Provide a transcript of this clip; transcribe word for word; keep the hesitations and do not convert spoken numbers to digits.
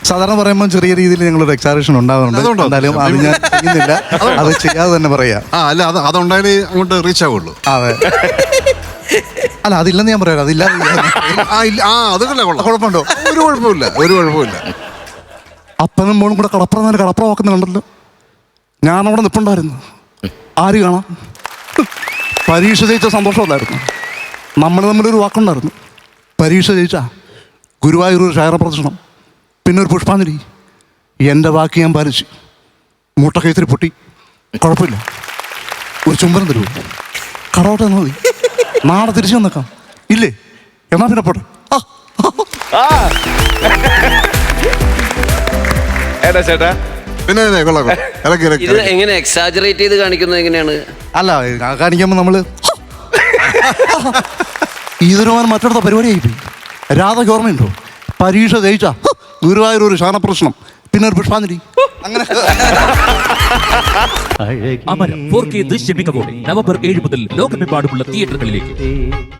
സാധാരണ പറയുമ്പോൾ ചെറിയ രീതിയിൽ ഞങ്ങളൊരു എക്സാറേഷൻ ഉണ്ടാകുന്നുണ്ട്. എന്തായാലും അത് ഞാൻ ചെയ്യുന്നില്ല, അത് ചെയ്യാതെ തന്നെ പറയാം. ആ അല്ല അത് അതുണ്ടായാലേ അങ്ങോട്ട് റീച്ച് ആവുള്ളൂ. അതെ, അല്ല അതില്ലെന്ന് ഞാൻ പറയാം. അതില്ല ആ ഇല്ല ആ അതൊക്കെ കൊള്ളാം. കുഴപ്പമുണ്ടോ? ഒരു കുഴപ്പമില്ല, ഒരു കുഴപ്പമില്ല. അപ്പനും മോളും കൂടെ കടപ്പുറം നേരെ കടപ്പുറം വാക്കുന്നുണ്ടല്ലോ. ഞാനവിടെ നിൽപ്പുണ്ടായിരുന്നു, ആര് കാണാം. പരീക്ഷ ജയിച്ച സന്തോഷമല്ലായിരുന്നു. നമ്മൾ തമ്മിലൊരു വാക്കുണ്ടായിരുന്നു. പരീക്ഷ ജയിച്ച ഗുരുവായൂർ ഒരു ക്ഷേത്ര പ്രദർശനം, പിന്നെ ഒരു പുഷ്പാഞ്ജലി. എൻ്റെ വാക്ക് ഞാൻ പാലിച്ചു. മുട്ടക്കൈത്തിരി പൊട്ടി, കുഴപ്പമില്ല. ഒരു ചുംബനം തരൂ, കടവട്ടെ എന്നാൽ മതി. നാളെ തിരിച്ചു വന്നേക്കാം. ഇല്ലേ? എന്നാ പിന്നെ പോട്ടെ. ഏട്ടാ ചേട്ടാ പിന്നെ കൊള്ളാം കൊള്ളാം. ഇറക്കി ഇറക്കി ഇത് എങ്ങനെ എക്സാജറേറ്റ് ചെയ്ത് കാണിക്കുന്നത് എങ്ങനെയാണ്? അല്ല, കാണിക്കുമ്പോൾ നമ്മൾ ഇതൊരു മറ്റടുത്ത പരിപാടിയായി പോയി. രാധയ്ക്ക് ഓർമ്മയുണ്ടോ? പരീക്ഷ ജയിച്ച ഗുരുവായൂർ ഒരു ശാനപ്രശ്നം, പിന്നെ ഒരു പുഷ്പാഞ്ജലി. അങ്ങനെ അമരം ഫോർ കെ ദൃശ്യമികവോടെ നവംബർ ഏഴ് മുതൽ ലോകമെമ്പാടുമുള്ള തിയേറ്ററുകളിലേക്ക്.